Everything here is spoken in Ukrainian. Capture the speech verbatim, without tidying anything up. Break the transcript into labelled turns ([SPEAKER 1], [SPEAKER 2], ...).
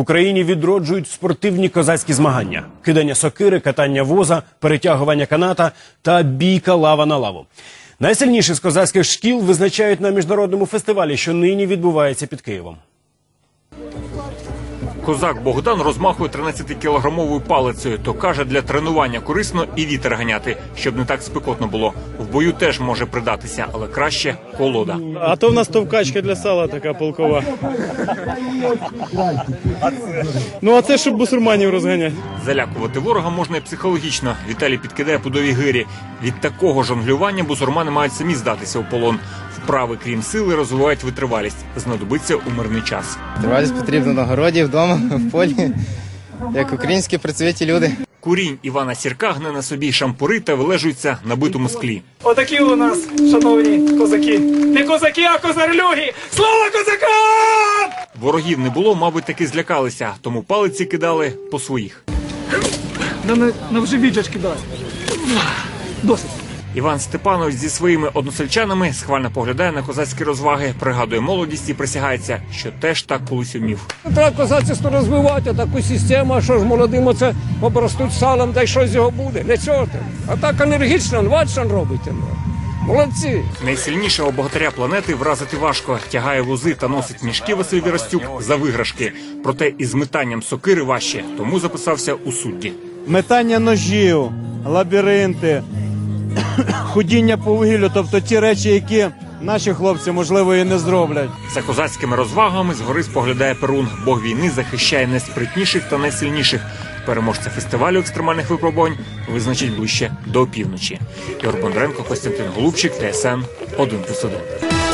[SPEAKER 1] Україні відроджують спортивні козацькі змагання. Кидання сокири, катання воза, перетягування каната та бійка лава на лаву. Найсильніші з козацьких шкіл визначають на міжнародному фестивалі, що нині відбувається під Києвом.
[SPEAKER 2] Козак Богдан розмахує тринадцятикілограмовою палицею. То каже, для тренування корисно і вітер ганяти, щоб не так спекотно було. В бою теж може придатися, але краще колода.
[SPEAKER 3] А то в нас товкачка для сала така полкова. Ну а це, щоб бусурманів розганяти.
[SPEAKER 2] Залякувати ворога можна і психологічно. Віталій підкидає пудові гирі. Від такого жонглювання бусурмани мають самі здатися у полон. Вправи, крім сили, розвивають витривалість. Знадобиться у мирний час.
[SPEAKER 4] Витривалість потрібно на городі, вдома, в полі, як українські працьовиті люди.
[SPEAKER 2] Курінь Івана Сірка гне на собі шампури та вилежується на битому склі.
[SPEAKER 5] Отакі у нас, шановні козаки. Не козаки, а козарлюги! Слава козакам!
[SPEAKER 2] Ворогів не було, мабуть, таки злякалися, тому палиці кидали по своїх.
[SPEAKER 5] Да на, на вже віджачки дай. Досить.
[SPEAKER 2] Іван Степанович зі своїми односельчанами схвально поглядає на козацькі розваги, пригадує молодість і присягається, що теж так колись умів.
[SPEAKER 6] Треба козацтво розвивати, таку систему, що ж молодим оце обростуть салом, та й щось з його буде. Не цього. А так енергічно, ватшан робите. Молодці.
[SPEAKER 2] Найсильнішого богатиря планети вразити важко. Тягає вузи та носить мішки Василь Вірастюк за виграшки. Проте із метанням сокири важче, тому записався у судді.
[SPEAKER 3] Метання ножів, лабіринти, ходіння по вугіллю, тобто ті речі, які наші хлопці, можливо, і не зроблять.
[SPEAKER 2] За козацькими розвагами згори споглядає Перун. Бог війни захищає найспритніших та найсильніших. Переможця фестивалю екстремальних випробувань визначить ближче до опівночі. Ігор Бондаренко, Костянтин Голубчик, Т С Н один плюс один.